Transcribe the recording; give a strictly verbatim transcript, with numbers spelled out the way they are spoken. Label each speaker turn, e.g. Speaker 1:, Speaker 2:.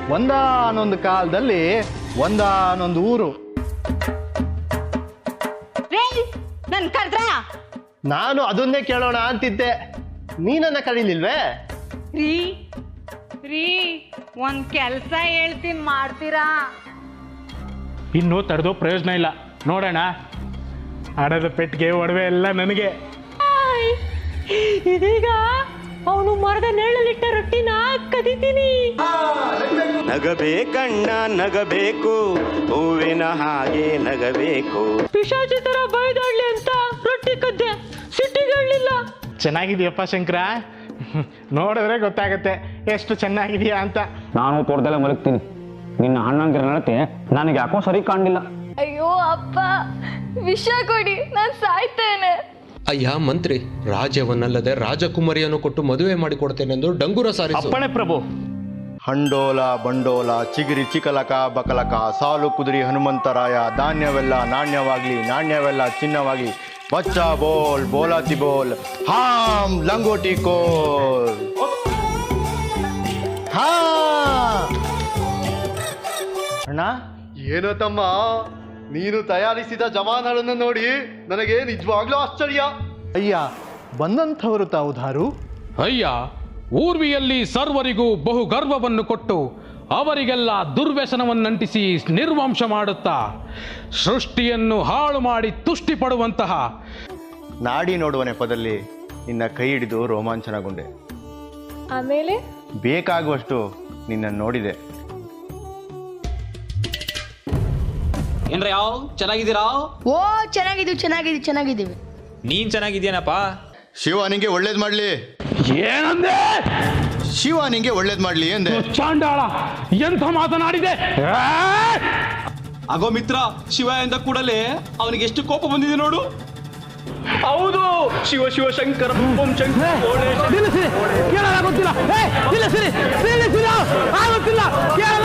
Speaker 1: ಒಂದಾನೊಂದು ಕಾಲದಲ್ಲಿ ಒಂದಾನೊಂದು ಊರು.
Speaker 2: ನನ್ ಕರ್ದ್ರ
Speaker 1: ನಾನು ಅದನ್ನೇ ಕೇಳೋಣ ಅಂತಿದ್ದೆ, ನೀನನ್ನ ಕರೀಲಿಲ್ವೇ?
Speaker 2: ರೀ ರೀ ಒಂದ್ ಕೆಲ್ಸ ಹೇಳ್ತೀನಿ, ಮಾಡ್ತೀರಾ?
Speaker 3: ಇನ್ನೂ ತಡೆದೋ ಪ್ರಯೋಜನ ಇಲ್ಲ. ನೋಡೋಣ, ಹಣದ ಪೆಟ್ಟಿಗೆ ಒಡವೆ ಎಲ್ಲ ನನಗೆ.
Speaker 2: ಇದೀಗ ಅವನು ಮರದ ನೆರಳಲ್ಲಿಟ್ಟ ರೊಟ್ಟಿನ ಕದಿತೀನಿ.
Speaker 4: ನಗಬೇಕಣ್ಣ ನಗಬೇಕು, ಹೂವಿನ ಹಾಗೆ ನಗಬೇಕು.
Speaker 2: ಪಿಶಾಚಿ ತರ ಬೈದಾಡ್ಲಿ ಅಂತ ರೊಟ್ಟಿ ಕದ್ದೆ, ಸಿಟ್ಟಿಗಳಿಲ್ಲ.
Speaker 3: ಚೆನ್ನಾಗಿದೆಯಪ್ಪ ಶಂಕರ, ನೋಡಿದ್ರೆ ಗೊತ್ತಾಗತ್ತೆ ಎಷ್ಟು ಚೆನ್ನಾಗಿದೆಯಾ ಅಂತ.
Speaker 5: ನಾನು ತೋಟದಲ್ಲೇ ಮಲಗ್ತೀನಿ, ನಿನ್ನ ಅಣ್ಣಂಗಿರ ನಡತೆ ನನಗೆ ಯಾಕೋ ಸರಿ ಕಾಣಲಿಲ್ಲ.
Speaker 6: ಅಯ್ಯೋ ಅಪ್ಪ, ವಿಷ ಕೊಡಿ, ನಾನು ಸಾಯ್ತೇನೆ.
Speaker 7: ಅಯ್ಯ ಮಂತ್ರಿ, ರಾಜ್ಯವನ್ನಲ್ಲದೆ ರಾಜಕುಮಾರಿಯನ್ನು ಕೊಟ್ಟು ಮದುವೆ ಮಾಡಿಕೊಡ್ತೇನೆಂದು ಡಂಗುರ ಸಾರಿಸು.
Speaker 3: ಅಪ್ಪಣೆ ಪ್ರಭು.
Speaker 1: ಹಂಡೋಲ ಬಂಡೋಲ ಚಿಗಿರಿ ಚಿಕಲಕ ಬಕಲಕ, ಸಾಲು ಕುದುರಿ ಹನುಮಂತರಾಯ, ಧಾನ್ಯವೆಲ್ಲ ನಾಣ್ಯವಾಗ್ಲಿ ನಾಣ್ಯವೆಲ್ಲ ಚಿನ್ನವಾಗ್ಲಿ, ಬಚ್ಚ ಬೋಲ್ ಬೋಲಾತಿ ಬೋಲ್, ಹಾಂ ಲಂಗೋಟಿ ಕೋಲ್. ಹಾ ಅಣ್ಣ.
Speaker 8: ಏನೋ ತಮ್ಮ, ನೀನು ತಯಾರಿಸಿದ ಜವಾನರನ್ನು ನೋಡಿ ನನಗೆ ನಿಜವಾಗ್ಲೂ ಆಶ್ಚರ್ಯ.
Speaker 1: ಅಯ್ಯ, ಬಂದಂಥವರು ತಾವು ಧಾರು?
Speaker 9: ಅಯ್ಯ, ಊರ್ವಿಯಲ್ಲಿ ಸರ್ವರಿಗೂ ಬಹು ಗರ್ವವನ್ನು ಕೊಟ್ಟು ಅವರಿಗೆಲ್ಲ ದುರ್ವ್ಯಸನವನ್ನಂಟಿಸಿ ನಿರ್ವಂಶ ಮಾಡುತ್ತಾ ಸೃಷ್ಟಿಯನ್ನು ಹಾಳು ಮಾಡಿ ತುಷ್ಟಿ ಪಡುವಂತಹ
Speaker 1: ನಾಡಿ ನೋಡುವ ನೆಪದಲ್ಲಿ ನಿನ್ನ ಕೈ ಹಿಡಿದು ರೋಮಾಂಚನಗೊಂಡೆ.
Speaker 6: ಆಮೇಲೆ
Speaker 1: ಬೇಕಾಗುವಷ್ಟು ನಿನ್ನ ನೋಡಿದೆ.
Speaker 10: ಏನ್ರ ಯಾವ ಚೆನ್ನಾಗಿದ್ದೀರಾ?
Speaker 6: ಓ ಚೆನ್ನಾಗಿದ್ದೀವಿ ಚೆನ್ನಾಗಿದ್ದೀವಿ ಚೆನ್ನಾಗಿದ್ದೀವಿ.
Speaker 10: ನೀನ್ ಚೆನ್ನಾಗಿದ್ಯಾನಪ್ಪ?
Speaker 1: ಶಿವ ನಿಂಗೆ ಒಳ್ಳೇದ್ ಮಾಡ್ಲಿ.
Speaker 3: ಏನಂದೆ?
Speaker 1: ಶಿವ ನಿಂಗೆ ಒಳ್ಳೇದ್ ಮಾಡ್ಲಿ ಎಂದೆ.
Speaker 3: ಚಾಂಡಾಳ, ಎಂಥ ಮಾತನಾಡಿದೆ!
Speaker 10: ಆಗೋ ಮಿತ್ರ, ಶಿವ ಎಂದ ಕೂಡಲೇ ಅವನಿಗೆ ಎಷ್ಟು ಕೋಪ ಬಂದಿದೆ ನೋಡು. ಹೌದು, ಶಿವ ಶಿವ ಶಂಕರ ಓಂ ಶಂಕರ.
Speaker 3: ನಿಲ್ಲಿಸಿ, ಕೇಳಲಾಗುತ್ತಿಲ್ಲ. ನಿಲ್ಲಿಸಿ, ನಿಲ್ಲಿಸಿ, ಆಗುತ್ತಿಲ್ಲ.